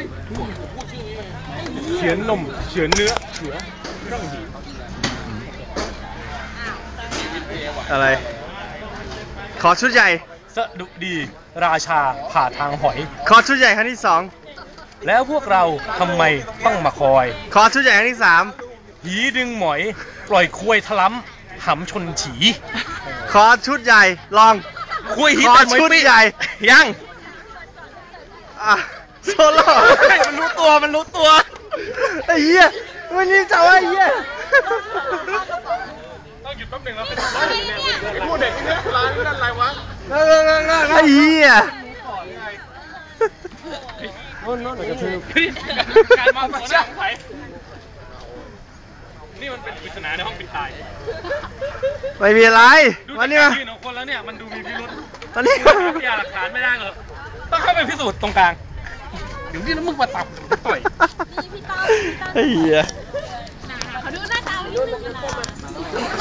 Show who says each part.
Speaker 1: เฉือนนมเฉือนเนื้อเฉือร่องหี
Speaker 2: อะไรขอชุดใหญ่
Speaker 1: สะดุดีราชาผ่าทางหอย
Speaker 2: ขอชุดใหญ่ครั้งที่2
Speaker 1: แล้วพวกเราทำไมต้องมาคอย
Speaker 2: ขอชุดใหญ่ครั้งที่3
Speaker 1: หีดึงหมอยปล่อยควยทะล้ำหำชนฉี
Speaker 2: ขอชุดใหญ่ลอง
Speaker 1: ควยหี
Speaker 2: ขอ
Speaker 1: แต่หมอย
Speaker 2: ชุด
Speaker 1: ปี
Speaker 2: ใหญ่
Speaker 1: ยัง
Speaker 2: โซโล่
Speaker 1: มันรู้ตัว
Speaker 2: ไอ้เหี้ยมันนี่จับไอ้เหี้ย
Speaker 1: ต้องหยุดแป๊บหนึ่งแล้วพูดเด็กนี่ร้านนั่นอะไรวะ
Speaker 2: ไอ้เหี้ย
Speaker 1: โน่นกระทืบการมองหัวหน้าของไผ่นี่มันเป็นปริศนาในห้องปิดตาย
Speaker 2: ไม่มีอะไร
Speaker 1: ดู
Speaker 2: มา
Speaker 1: จาก
Speaker 2: นี่
Speaker 1: การ
Speaker 2: มา
Speaker 1: ยืนของคนแล้วเนี่ยมันดูมีพิรุษ
Speaker 2: มานี่
Speaker 1: หาพยานหลักฐานไม่ได้เหรอต้องเข้าไปพิสูจน์ตรงกลางเดี๋ยวนี่มึงมาตับต่อย
Speaker 2: ไอ้เหี้ย
Speaker 3: ขอดูหน้าตานิดนึงนะ